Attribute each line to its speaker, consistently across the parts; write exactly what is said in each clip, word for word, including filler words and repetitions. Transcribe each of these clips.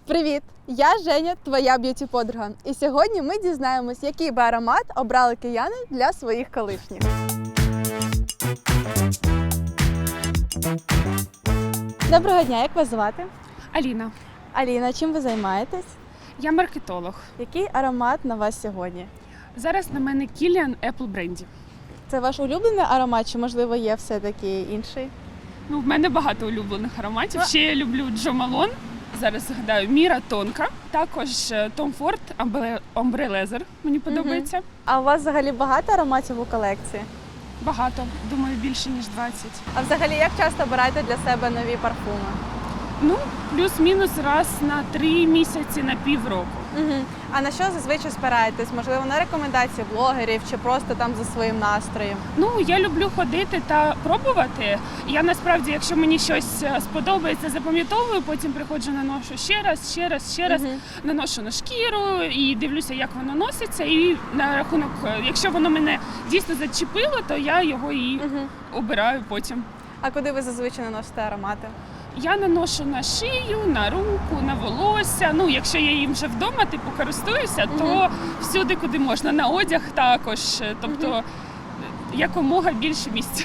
Speaker 1: Привіт! Я Женя, твоя б'юті-подруга. І сьогодні ми дізнаємось, який би аромат обрали кияни для своїх колишніх. Доброго дня, як вас звати?
Speaker 2: Аліна,
Speaker 1: Аліна, чим ви займаєтесь?
Speaker 2: я маркетолог.
Speaker 1: Який аромат на вас сьогодні?
Speaker 2: Зараз на мене Kilian Apple Brandy.
Speaker 1: Це ваш улюблений аромат, чи, можливо, є все-таки інший?
Speaker 2: Ну, в мене багато улюблених ароматів. Ще я люблю Jo Malone. Зараз згадаю Міра Тонка. Також Tom Ford Ombre Leather. Мені подобається.
Speaker 1: А у вас взагалі багато ароматів у колекції?
Speaker 2: Багато. Думаю, більше, ніж двадцять.
Speaker 1: А взагалі, як часто обираєте для себе нові парфуми?
Speaker 2: Ну, плюс-мінус раз на три місяці, на півроку.
Speaker 1: Угу. А на що зазвичай спираєтесь? Можливо, на рекомендації блогерів чи просто там за своїм настроєм?
Speaker 2: Ну, я люблю ходити та пробувати. Я насправді, якщо мені щось сподобається, запам'ятовую, потім приходжу, наношу ще раз, ще раз, ще раз,
Speaker 1: Угу.
Speaker 2: наношу на шкіру і дивлюся, як воно носиться. І на рахунок, якщо воно мене дійсно зачепило, то я його і
Speaker 1: Угу.
Speaker 2: обираю потім.
Speaker 1: А куди ви зазвичай наносите аромати?
Speaker 2: Я наношу на шию, на руку, на волосся. Ну, якщо я їм вже вдома, типу, користуюся, то
Speaker 1: Мгм.
Speaker 2: всюди, куди можна. На одяг також. Тобто
Speaker 1: Мгм.
Speaker 2: якомога більше місця.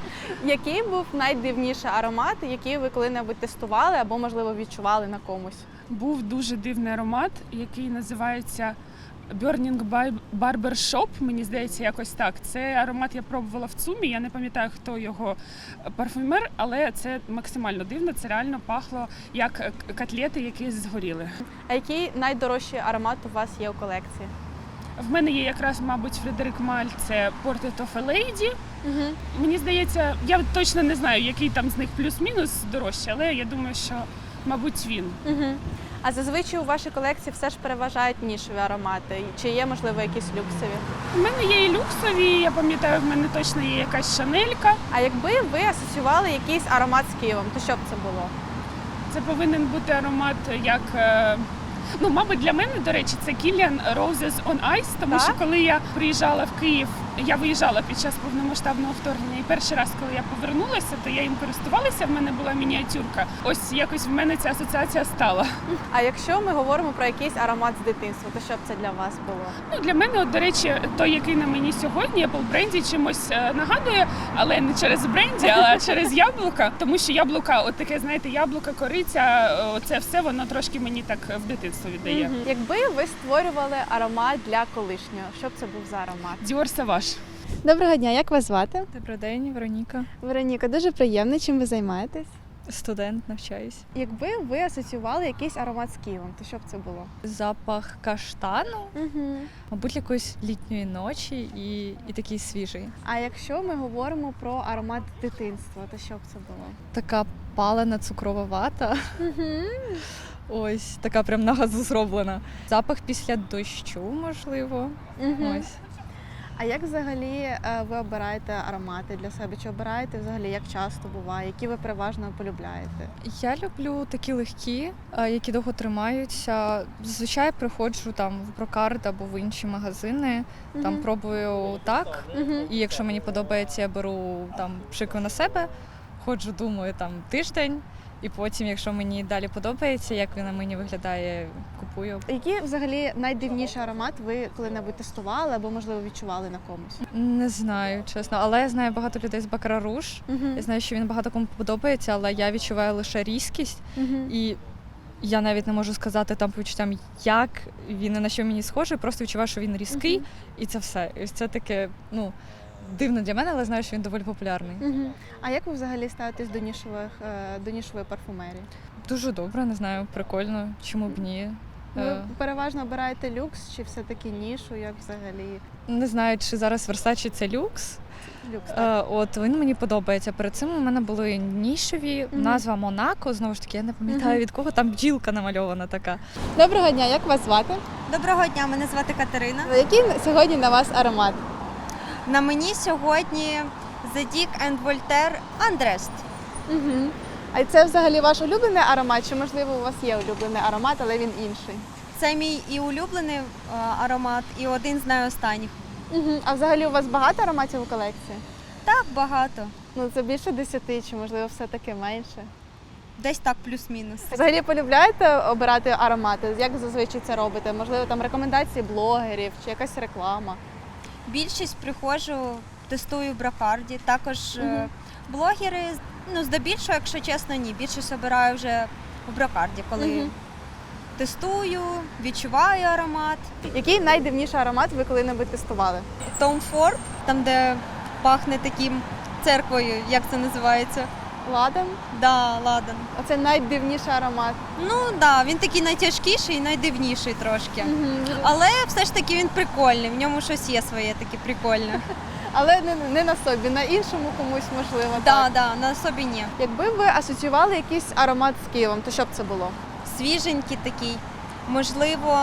Speaker 1: Який був найдивніший аромат, який ви коли-небудь тестували або, можливо, відчували на комусь?
Speaker 2: Був дуже дивний аромат, який називається Burning by Barber Shop, мені здається, якось так. Це аромат я пробувала в ЦУМі, я не пам'ятаю, хто його парфюмер, але це максимально дивно, це реально пахло як котлети, які згоріли.
Speaker 1: А який найдорожчий аромат у вас є у колекції?
Speaker 2: В мене є якраз, мабуть, Фредерик Маль, це Portrait of a Lady.
Speaker 1: Угу.
Speaker 2: Мені здається, я точно не знаю, який там з них плюс-мінус дорожчий, але я думаю, що, мабуть, він.
Speaker 1: Угу. А зазвичай у вашій колекції все ж переважають нішеві аромати? Чи є, можливо, якісь люксові?
Speaker 2: У мене є і люксові, я пам'ятаю, в мене точно є якась шанелька.
Speaker 1: А якби ви асоціювали якийсь аромат з Києвом, то що б це було?
Speaker 2: Це повинен бути аромат як, е, ну, мабуть, для мене, до речі, це Kilian Roses on Ice, тому
Speaker 1: Так?
Speaker 2: що коли я приїжджала в Київ, я виїжджала під час повномасштабного вторгнення, і перший раз, коли я повернулася, то я їм користувалася, в мене була мініатюрка. Ось якось в мене ця асоціація стала.
Speaker 1: А якщо ми говоримо про якийсь аромат з дитинства, то що б це для вас було?
Speaker 2: Ну, для мене, от, до речі, той, який на мені сьогодні, Apple Brandy, чимось е, нагадує, але не через бренді, а через яблука. Тому що яблука, от таке, знаєте, яблука, кориця, оце все, воно трошки мені так в дитинство віддає.
Speaker 1: Мгм. Якби ви створювали аромат для колишнього, що б це був за аромат?
Speaker 2: Dior Sauvage.
Speaker 1: Доброго дня, як вас звати?
Speaker 3: Добрий день, Вероніка.
Speaker 1: Вероніка, дуже приємно, чим ви займаєтесь?
Speaker 3: Студент, навчаюсь.
Speaker 1: Якби ви асоціювали якийсь аромат з Києвом, то що б це було?
Speaker 3: Запах каштану,
Speaker 1: Угу.
Speaker 3: мабуть, якоїсь літньої ночі і, і такий свіжий.
Speaker 1: А якщо ми говоримо про аромат дитинства, то що б це було?
Speaker 3: Така палена цукрова вата.
Speaker 1: Угу.
Speaker 3: Ось така прям на газу зроблена. Запах після дощу, можливо.
Speaker 1: Угу.
Speaker 3: Ось.
Speaker 1: А як взагалі е, ви обираєте аромати для себе? Чи обираєте взагалі, як часто буває, які ви переважно полюбляєте?
Speaker 3: Я люблю такі легкі, е, які довго тримаються. Зазвичай приходжу там в Брокард або в інші магазини, там
Speaker 1: Мгм.
Speaker 3: пробую так.
Speaker 1: Мгм.
Speaker 3: І якщо мені подобається, я беру там пшикаю на себе, ходжу, думаю, там тиждень, і потім, якщо мені далі подобається, як він на мені виглядає, купую.
Speaker 1: Який взагалі найдивніший аромат ви коли-небудь тестували або, можливо, відчували на комусь?
Speaker 3: Не знаю, чесно, але я знаю багато людей з Бакара Руж. Я знаю, що він багато кому подобається, але я відчуваю лише різкість,
Speaker 1: Мгм.
Speaker 3: і я навіть не можу сказати там по відчуттям, як він і на що мені схожий, просто відчуваю, що він різкий,
Speaker 1: Мгм.
Speaker 3: і це все. І ось це таке, ну, дивно для мене, але знаю, що він доволі популярний.
Speaker 1: Мгм. А як ви взагалі ставитесь до нішових, е, до нішової парфумерії?
Speaker 3: Дуже добре, не знаю, прикольно, чому б ні.
Speaker 1: Ви
Speaker 3: Е,
Speaker 1: переважно обираєте люкс чи все-таки нішу, як взагалі
Speaker 3: Не знаю, чи зараз Versace це люкс.
Speaker 1: люкс? так?
Speaker 3: Е, От він мені подобається. Перед цим у мене були нішеві,
Speaker 1: Мгм.
Speaker 3: назва Монако. Знову ж таки, я не пам'ятаю
Speaker 1: Мгм.
Speaker 3: від кого там бджілка намальована така.
Speaker 1: Доброго дня, як вас звати?
Speaker 4: Доброго дня, мене звати Катерина.
Speaker 1: Який сьогодні на вас аромат?
Speaker 4: На мені сьогодні The Dick and Voltaire Undressed.
Speaker 1: Угу. А це взагалі ваш улюблений аромат, чи можливо у вас є улюблений аромат, але він інший?
Speaker 4: Це мій і улюблений е, аромат, і один з найостанніх.
Speaker 1: Угу. А взагалі у вас багато ароматів у колекції?
Speaker 4: Так, багато.
Speaker 1: Ну це більше десяти, чи можливо все-таки менше?
Speaker 4: Десь так плюс-мінус.
Speaker 1: Взагалі полюбляєте обирати аромати? Як зазвичай це робите? Можливо, там рекомендації блогерів чи якась реклама?
Speaker 4: Більшість приходжу, тестую в Бракарді. Також е,
Speaker 1: Мгм.
Speaker 4: блогери, ну, здебільшого, якщо чесно, ні. Більшість обираю вже в Бракарді, коли
Speaker 1: Мгм.
Speaker 4: тестую, відчуваю аромат.
Speaker 1: Який найдивніший аромат ви коли-небудь тестували?
Speaker 4: Tom Ford, там, де пахне таким церквою, як це називається?
Speaker 1: Ладан?
Speaker 4: Да, ладан.
Speaker 1: Оце найдивніший аромат.
Speaker 4: Ну да, він такий найтяжкіший і найдивніший трошки.
Speaker 1: Мгм.
Speaker 4: Але все ж таки він прикольний, в ньому щось є своє таке прикольне.
Speaker 1: Але не, не на собі, на іншому комусь можливо.
Speaker 4: Да,
Speaker 1: Так.
Speaker 4: да, на собі ні.
Speaker 1: Якби ви асоціювали якийсь аромат з Києвом, то що б це було?
Speaker 4: Свіженький такий. Можливо,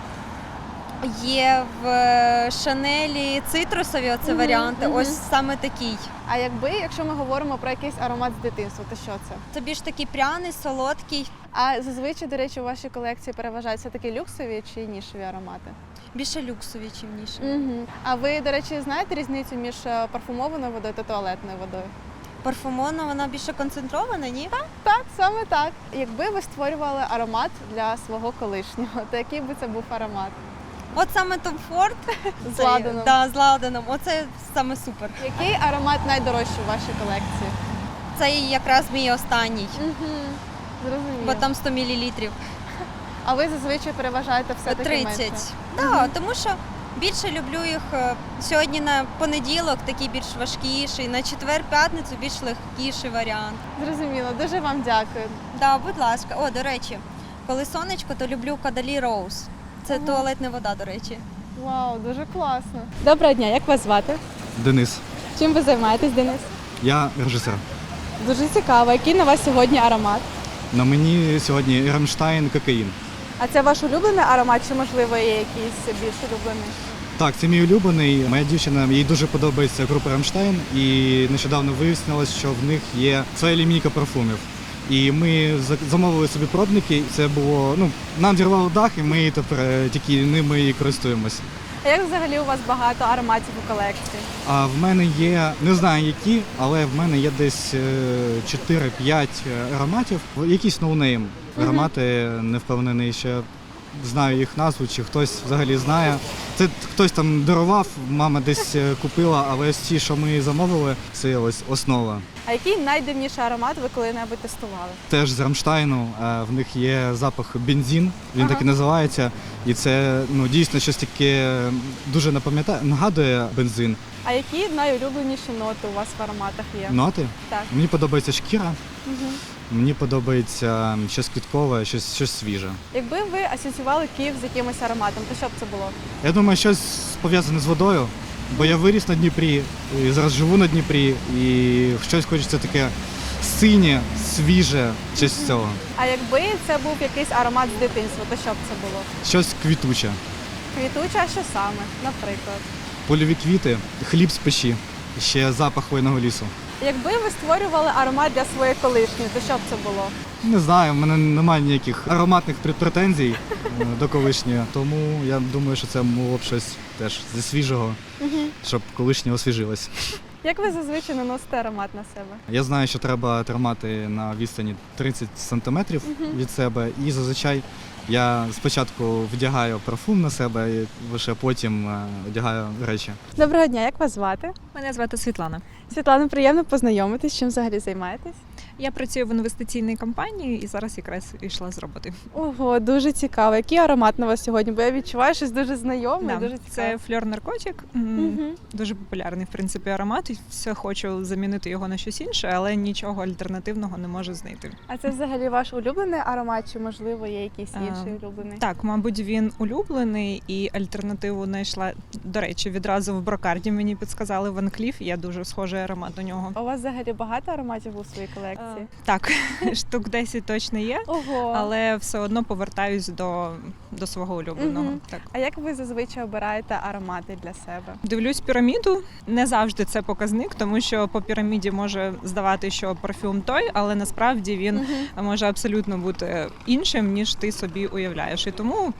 Speaker 4: є в е, Шанелі цитрусові оце
Speaker 1: Мгм,
Speaker 4: варіанти.
Speaker 1: мгм.
Speaker 4: Ось саме такий.
Speaker 1: А якби, якщо ми говоримо про якийсь аромат з дитинства, то що це?
Speaker 4: Це більш такий пряний, солодкий,
Speaker 1: А зазвичай, до речі, у вашій колекції переважають все-таки люксові чи нішеві аромати?
Speaker 4: більше люксовий, чим ніше.
Speaker 1: Угу. А ви, до речі, знаєте різницю між е, парфумованою водою та туалетною водою?
Speaker 4: Парфумована, вона більше концентрована, ні?
Speaker 1: Так, саме так. Якби ви створювали аромат для свого колишнього, то який би це був аромат?
Speaker 4: От саме Tom Ford.
Speaker 1: З
Speaker 4: цей,
Speaker 1: ладаном.
Speaker 4: Да, з ладаном. Оце саме супер.
Speaker 1: Який аромат найдорожчий у вашій колекції?
Speaker 4: Це якраз мій останній,
Speaker 1: Угу. Зрозуміло.
Speaker 4: бо там сто мілілітрів.
Speaker 1: А ви зазвичай переважаєте все-таки менше?
Speaker 4: тридцять. Да, тому що більше люблю їх е, сьогодні на понеділок, такий більш важкіший, на четвер-п'ятницю більш легкіший варіант.
Speaker 1: Зрозуміло, дуже вам дякую.
Speaker 4: Да, будь ласка. О, до речі, коли сонечко, то люблю Кадалі Роуз. Це
Speaker 1: Ага.
Speaker 4: туалетна вода, до речі.
Speaker 1: Вау, дуже класно. Доброго дня, як вас звати?
Speaker 5: Денис,
Speaker 1: Чим ви займаєтесь, Денис?
Speaker 5: я режисер.
Speaker 1: Дуже цікаво. Який на вас сьогодні аромат?
Speaker 5: На мені сьогодні Рамштайн кокаїн.
Speaker 1: А це ваш улюблений аромат, чи можливо є якийсь більш улюблений?
Speaker 5: Так, це мій улюблений. Моя дівчина, їй дуже подобається група Рамштайн, і нещодавно вияснилось, що в них є своя лінійка парфумів. І ми за- замовили собі пробники. Це було, ну, нам зірвало дах, і ми тепер е, тільки ними і користуємось.
Speaker 1: А як взагалі у вас багато ароматів у колекції?
Speaker 5: А в мене є, не знаю які, але в мене є десь е, чотири-п'ять ароматів. Якісь ноунейм аромати, не впевнений, що знаю їх назву, чи хтось взагалі знає. Це хтось там дарував, мама десь е, купила, але ось ті, що ми замовили, це ось основа.
Speaker 1: А який найдивніший аромат ви коли-небудь тестували?
Speaker 5: Теж з Рамштайну, е, в них є запах бензин, він
Speaker 1: Ага.
Speaker 5: так і називається. І це ну, дійсно щось таке дуже напам'ятає, нагадує бензин.
Speaker 1: А які найулюбленіші ноти у вас в ароматах є?
Speaker 5: Ноти.
Speaker 1: Так.
Speaker 5: Мені подобається шкіра,
Speaker 1: Угу.
Speaker 5: мені подобається щось квіткове, щось, щось свіже.
Speaker 1: Якби ви асоціювали Київ з якимось ароматом, то що б це було?
Speaker 5: Я думаю, щось пов'язане з водою, бо я виріс на Дніпрі, і зараз живу на Дніпрі, і щось хочеться таке синє, свіже, щось з цього.
Speaker 1: А якби це був якийсь аромат з дитинства, то що б це було?
Speaker 5: Щось квітуче.
Speaker 1: Квітуча, а що саме, наприклад?
Speaker 5: Польові квіти, хліб з печі, ще запах хвойного лісу.
Speaker 1: Якби ви створювали аромат для своєї колишньої, то що б це було?
Speaker 5: Не знаю, в мене немає ніяких ароматних пр- претензій е, до колишньої, тому я думаю, що це було б щось теж зі свіжого, щоб колишнє освіжилось.
Speaker 1: Як ви зазвичай наносите аромат на себе?
Speaker 5: Я знаю, що треба тримати на відстані тридцять сантиметрів від себе, і зазвичай я спочатку вдягаю парфум на себе, і лише потім е, одягаю речі.
Speaker 1: Доброго дня, як вас звати?
Speaker 6: Мене звати Світлана.
Speaker 1: Світлана, приємно познайомитись, чим взагалі займаєтесь?
Speaker 6: Я працюю в інвестиційній компанії і зараз якраз йшла з роботи.
Speaker 1: Ого, дуже цікаво. Який аромат на вас сьогодні? Бо я відчуваю щось дуже знайоме,
Speaker 6: Да,
Speaker 1: дуже
Speaker 6: це
Speaker 1: цікаво.
Speaker 6: фльор наркотик. М,
Speaker 1: Мгм.
Speaker 6: Дуже популярний в принципі аромат. І все хочу замінити його на щось інше, але нічого альтернативного не можу знайти.
Speaker 1: А це взагалі ваш улюблений аромат, чи можливо є якийсь
Speaker 6: А,
Speaker 1: інший улюблений?
Speaker 6: Так, мабуть, він улюблений і альтернативу знайшла. До речі, відразу в Брокарді мені підсказали Ван Кліф. Я дуже схожий аромат до нього.
Speaker 1: У вас взагалі багато ароматів у своїй колекції?
Speaker 6: Так, штук десять точно є,
Speaker 1: Ого.
Speaker 6: але все одно повертаюсь до, до свого улюбленого.
Speaker 1: Мгм.
Speaker 6: Так.
Speaker 1: А як ви зазвичай обираєте аромати для себе?
Speaker 6: Дивлюсь піраміду. Не завжди це показник, тому що по піраміді може здавати, що парфюм той, але насправді він може абсолютно бути іншим, ніж ти собі уявляєш. І тому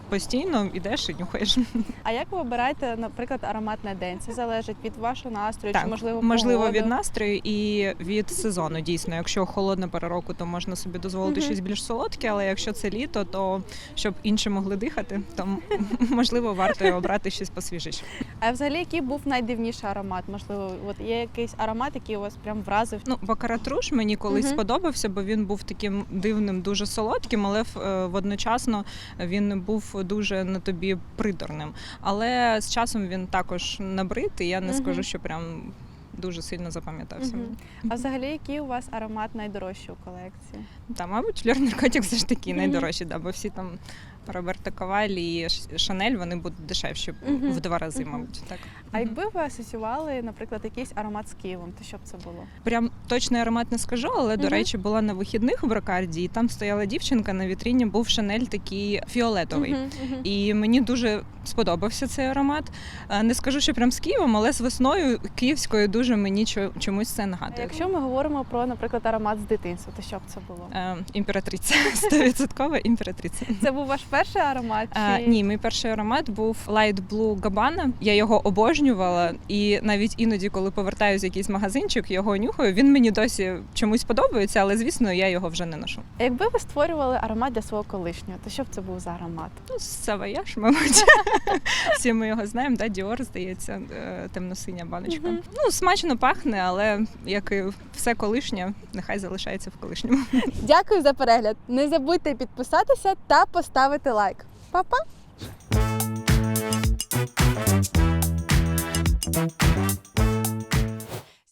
Speaker 6: постійно йдеш і нюхаєш.
Speaker 1: А як ви обираєте, наприклад, аромат на день? Це залежить від вашого настрою,
Speaker 6: Так,
Speaker 1: чи можливо
Speaker 6: можливо
Speaker 1: погоди?
Speaker 6: від настрою і від сезону. Дійсно, якщо холодна пора року, то можна собі дозволити
Speaker 1: Мгм.
Speaker 6: щось більш солодке, але якщо це літо, то щоб інші могли дихати, то можливо варто і обрати щось посвіжіше.
Speaker 1: А взагалі, який був найдивніший аромат? Можливо, от є якийсь аромат, який у вас прям вразив?
Speaker 6: Ну, бакаратруш мені колись
Speaker 1: Мгм.
Speaker 6: сподобався, бо він був таким дивним, дуже солодким, але е, водночасно він був дуже на тобі приторним. Але з часом він також набрид, і я не
Speaker 1: Мгм.
Speaker 6: скажу, що прям дуже сильно запам'ятався.
Speaker 1: Мгм. А взагалі, який у вас аромат найдорожчий у колекції?
Speaker 6: Та, мабуть, Флёр Наркотик все ж таки
Speaker 1: Мгм.
Speaker 6: найдорожчі, да, бо всі там Роберто Кавалі і Ш- Шанель, вони будуть дешевші
Speaker 1: Мгм.
Speaker 6: в два рази,
Speaker 1: Мгм.
Speaker 6: мабуть. Так.
Speaker 1: А якби ви асоціювали, наприклад, якийсь аромат з Києвом, то що б це було?
Speaker 6: Прям точний аромат не скажу, але, до
Speaker 1: Мгм.
Speaker 6: речі, була на вихідних в Брокарді, і там стояла дівчинка, на вітріні був Шанель такий фіолетовий.
Speaker 1: Мгм, мгм.
Speaker 6: І мені дуже сподобався цей аромат. Е, Не скажу, що прям з Києвом, але з весною київською дуже мені чо- чомусь це
Speaker 1: А
Speaker 6: нагадує.
Speaker 1: якщо ми говоримо про, наприклад, аромат з дитинства, то що б це було?
Speaker 6: Е, Імператриця, стовідсоткова імператриця.
Speaker 1: Це був ваш перший аромат?
Speaker 6: А,
Speaker 1: Чи...
Speaker 6: ні, мій перший аромат був Light Blue Gabbana. Я його обожнювала, і навіть іноді, коли повертаюся в якийсь магазинчик, його нюхаю. Він мені досі чомусь подобається, але звісно, я його вже не ношу.
Speaker 1: А якби ви створювали аромат для свого колишнього, то що б це був за аромат?
Speaker 6: Ну, Савояж, мабуть. Всі ми його знаємо, да? Діор, здається, е, темно-синя баночка.
Speaker 1: Мгм.
Speaker 6: Ну, смачно пахне, але як і все колишнє, нехай залишається в колишньому.
Speaker 1: Дякую за перегляд. Не забудьте підписатися та поставити лайк. Па-па!